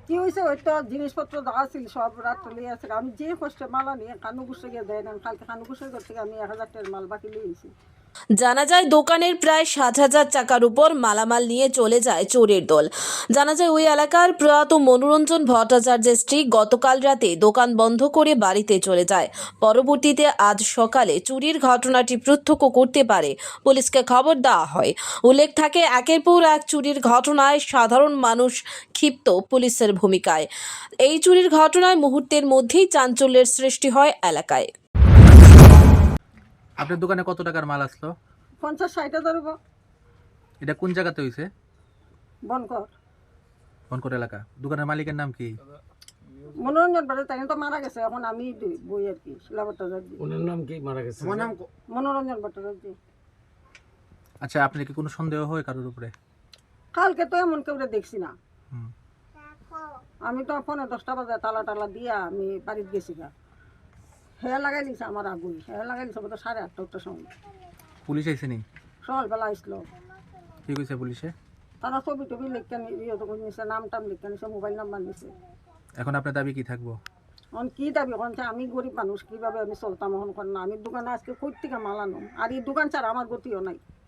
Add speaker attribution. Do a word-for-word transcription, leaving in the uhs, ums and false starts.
Speaker 1: কি হয়েছে ওই তো জিনিসপত্র দেওয়া ছিল সব রাত লিয়ে আছে। আমি যে কষ্টে মালা নিয়ে কানু গুসে গিয়ে দেয় না, কালকে কানু গুসের ঘর থেকে আমি এক হাজার টাকার মাল বাকি লিয়েছি।
Speaker 2: জানা যায় দোকানের প্রায় সাত হাজার টাকার উপর মালামাল নিয়ে চলে যায় চোরের দল। জানা যায় ওই এলাকার প্রয়াত মনোরঞ্জন ভট্টাচার্যের স্ত্রী গতকাল রাতে দোকান বন্ধ করে বাড়িতে চলে যায়। পরবর্তীতে আজ সকালে চুরির ঘটনাটি প্রত্যক্ষ করতে পারে পুলিশকে খবর দেওয়া হয়। উল্লেখ থাকে একের পর এক চুরির ঘটনায় সাধারণ মানুষ ক্ষিপ্ত পুলিশের ভূমিকায়। এই চুরির ঘটনায় মুহূর্তের মধ্যেই চাঞ্চল্যের সৃষ্টি হয় এলাকায়।
Speaker 3: আপনার দোকানে কত টাকার মাল আসলো?
Speaker 1: পঞ্চাশ ষাট হাজার হবো।
Speaker 3: এটা কোন জায়গাতে হয়েছে?
Speaker 1: বনকর
Speaker 3: বনকর এলাকা। দোকানের মালিকের নাম কি?
Speaker 1: মনোরঞ্জন বাড়ি, তাই তো মারা গেছে। এখন আমি দুই- বই আর কি শিলা ভট্টাচার্য।
Speaker 4: ওনার নাম কি মারা গেছে?
Speaker 1: মনোরঞ্জন ভট্টাচার্য।
Speaker 3: আচ্ছা, আপনার কি কোনো সন্দেহ হয় কারোর উপরে?
Speaker 1: কালকে তো এমন কেউ দেখছি না।
Speaker 3: হুম।
Speaker 1: আমি তো ফোনে দশটা বাজে তালা টালা দিয়া আমি বাড়িতে গেছি গা। হ্যাঁ লাগাই দিছে আমার আগুই, হ্যাঁ লাগাই দিছে বোধ সাড়ে আটটা আটটার সময়।
Speaker 3: পুলিশ আইছে নি?
Speaker 1: সকালবেলা আসলো।
Speaker 3: কি কইছে পুলিশে?
Speaker 1: তারা ছবি টবি লিখে নিছে, নাম টাম লিখে নিছে, মোবাইল নাম্বার নিছে।
Speaker 3: এখন আপনার দাবি কি থাকবো?
Speaker 1: এখন কি দাবি করছে? আমি গরিব মানুষ, কিভাবে আমি চলতাম এখন কর না। আমি দোকানে আজকে কই থেকে মাল আনো, আর এই দোকান ছাড়া আমার গতিও নাই।